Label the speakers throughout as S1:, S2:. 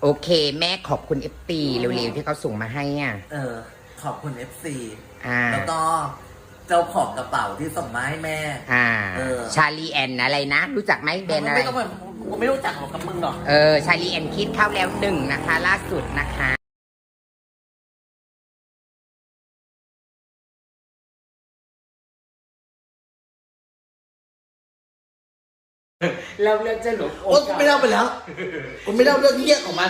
S1: โอเคแม่ขอบคุณ FT เร็วๆที่เขาส่งมาให้อ่ะ
S2: ขอบคุณ FC
S1: แล้ว
S2: ก็เจ้าของกระเป๋าที่ส่งมาให้แม่
S1: ชาลีแอนอะไรนะ รู้จักไหมแบรนด์อะไร
S2: กูไม่รู้จักหรอกกับมึงหรอก
S1: ชาลีแอนคิดเข้าแล้ว1นะคะล่าสุดนะคะเราเรื่องจะหลบ
S2: โอ้กูไม่เล่าไปแล้วกูไม่เล่าเรื่องเหี้ยของมัน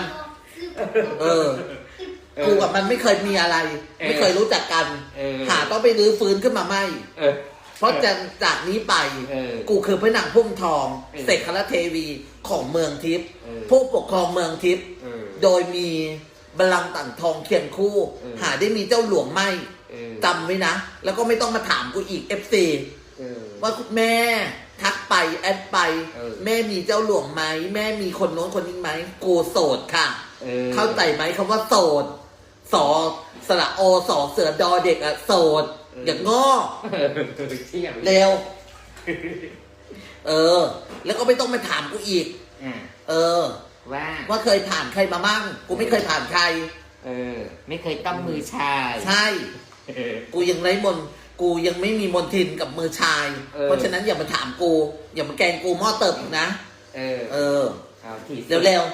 S2: กูกับมันไม่เคยมีอะไรไม่เคยรู้จักกันต้องไปรื้อฟื้นขึ้นมาไม่เพราะจากนี้ไปกูคือพระนางพุ่มทองเสกคณเทวีของเมืองทิพย์ผู้ปกครองเมืองทิพย์โดยมีบัลลังก์ต่างทองเคียงคู่หาได้มีเจ้าหลวงไม่จำไว้นะแล้วก็ไม่ต้องมาถามกูอีก FC ว่าคุณแม่ทักไปแอดไปแม่มีเจ้าหลวงไหมแม่มีคนโน้นคนนี้ไหมกูโสดค่ะเข้าใจไหมคำว่าโสดสอสระโอสอเสือดอเด็กอะโสดอย่างง้อเร็วแล้วก็ไม่ต้องมาถามกูอีกว่าเคยผ่านใครมามั่งกูไม่เคยผ่านใคร
S1: ไม่เคยต้องมือชาย
S2: ใช่กูยังไร้มนกูยังไม่มีมนทินกับมือชายเพราะฉะนั้นอย่ามาถามกูอย่ามาแกงกูหม้อเติบอีกนะเร็ว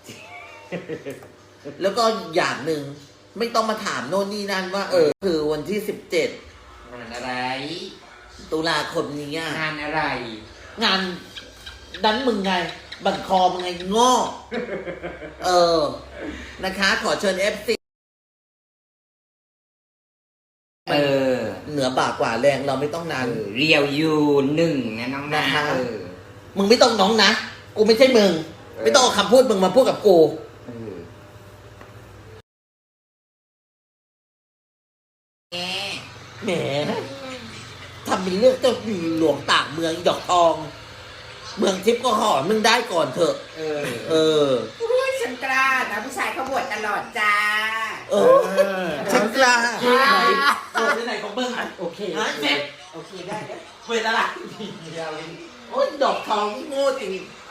S2: ๆแล้วก็อย่างหนึ่งไม่ต้องมาถามโน่นนี่นั่นว่าคือวันที่17
S1: งานอะไร
S2: ตุลาคมนี้
S1: งานอะไร
S2: งานดันมึงไงบั่นคอมึงไงง้อนะคะขอเชิญ FC เหนือบ่ากว่าแรงเราไม่ต้องนั้น
S1: เรียวยู1นะน้องนะ
S2: มึงไม่ต้องน้องนะกูไม่ใช่มึงไม่ต้องเอาคำพูดมึงมาพูดกับกูแหมทำเป็นเรื่องเจ้าหลวงต่างเมืองดอกทองเมืองทิพย์ก็ห่อมึงได้ก่อนเถอะ
S1: ฉันกล้านะผู้ชายเขาบวชตลอดจ้า
S2: ฉันกล้าไหนของมึง
S1: โอเค
S2: โอเคได้เวลาโอ้ยดอกทองโง่จริง